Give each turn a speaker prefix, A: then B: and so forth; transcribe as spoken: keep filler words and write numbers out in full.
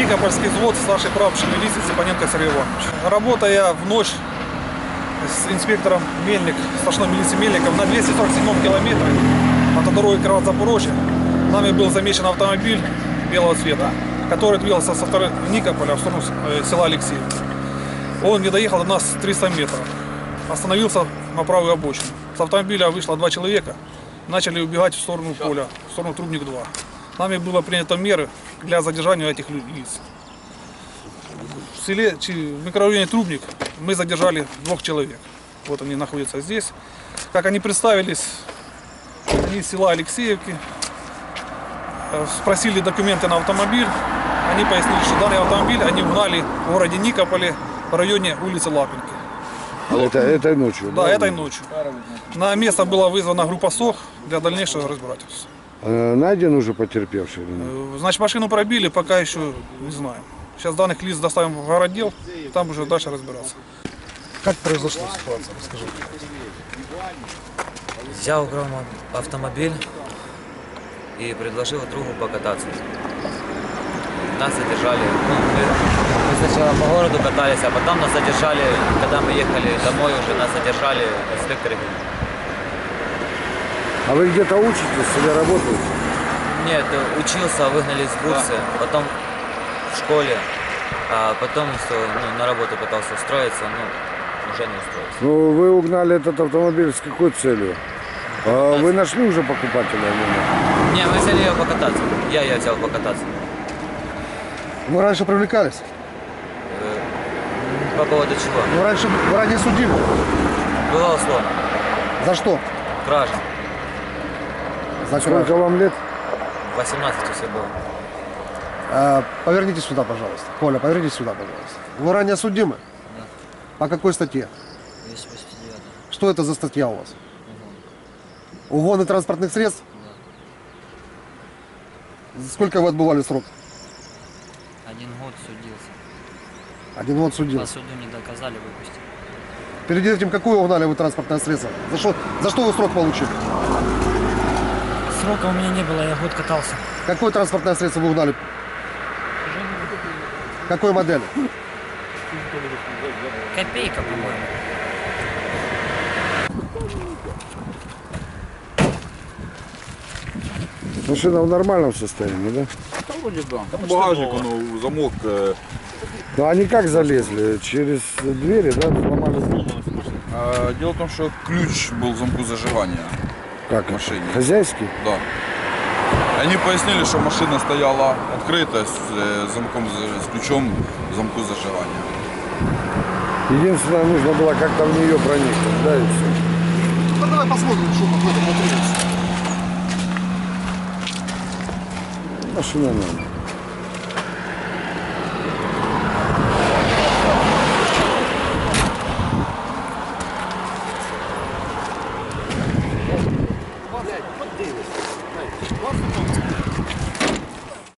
A: Никопольский взвод, старший прапорщик милиции Степаненко Сергей Иванович. Работая в ночь с инспектором Мельник, старшиной милиции Мельником на двухсот сорока седьмом километре от дороги Кирово-Запорожье, нами был замечен автомобиль белого цвета, который двигался со стороны Никополя в сторону села Алексеевка. Он не доехал до нас триста метров, остановился на правую обочину. С автомобиля вышло два человека, начали убегать в сторону поля, в сторону Трубник два. Нами было принято меры для задержания этих лиц. В селе, в микрорайоне Трубник мы задержали двух человек. Вот они находятся здесь. Как они представились, они из села Алексеевки, спросили документы на автомобиль. Они пояснили, что данный автомобиль они угнали в городе Никополе в районе улицы Лапинки.
B: Это, этой ночью?
A: Да, да, этой ночью. На место была вызвана группа СОХ для дальнейшего разбирательства.
B: А найден уже потерпевший?
A: Значит, машину пробили, пока еще не знаем. Сейчас данных лиц доставим в городдел, там уже дальше разбираться.
C: Как произошла ситуация? Расскажи.
D: Взял украл автомобиль и предложил другу покататься. Нас задержали. Ну, мы, мы сначала по городу катались, а потом нас задержали, когда мы ехали домой, уже нас задержали инспекторы.
B: А вы где-то учитесь или работаете?
D: Нет, учился, выгнали из бурсы, потом в школе, а потом ну, на работу пытался устроиться, но уже не устроился.
B: Ну, вы угнали этот автомобиль с какой целью? А вы нашли уже покупателя?
D: Не, мы взяли ее покататься. Я ее взял покататься.
C: Вы раньше привлекались?
D: Э, по поводу чего?
C: Вы раньше вы ранее судимы?
D: Было условно.
C: За что?
D: Кража.
C: За
B: Сколько
C: кражу.
B: вам лет?
D: восемнадцать все было.
C: А, поверните сюда, пожалуйста. Коля, поверните сюда, пожалуйста. Вы ранее судимы?
D: Да.
C: По какой статье?
D: двести восемьдесят девять.
C: Что это за статья у вас? Угон. Угоны транспортных средств? Да. Сколько вы отбывали срок?
E: Один год судился.
C: Один год судился.
E: По суду не доказали, выпустили.
C: Перед этим какое угнали вы транспортное средство? За что, за что вы срок получили?
E: Срока у меня не было, я год катался.
C: Какое транспортное средство вы угнали? Какой модели?
E: Копейка, по-моему.
B: Машина в нормальном состоянии, да?
F: Да, вроде да. Там багажник, он, замок. Э...
B: Ну они как залезли? Через двери, да? Сломали замок?
F: А, дело в том, что ключ был в замку зажигания.
B: Как?
F: В машине.
B: Хозяйский?
F: Да. Они пояснили, что машина стояла открыта с, э, замком, с ключом в замку зажигания.
B: Единственное, нужно было как-то в нее проникнуть, да, и все.
C: Ну давай посмотрим, что там в этом внутри.
B: Машина нормальная.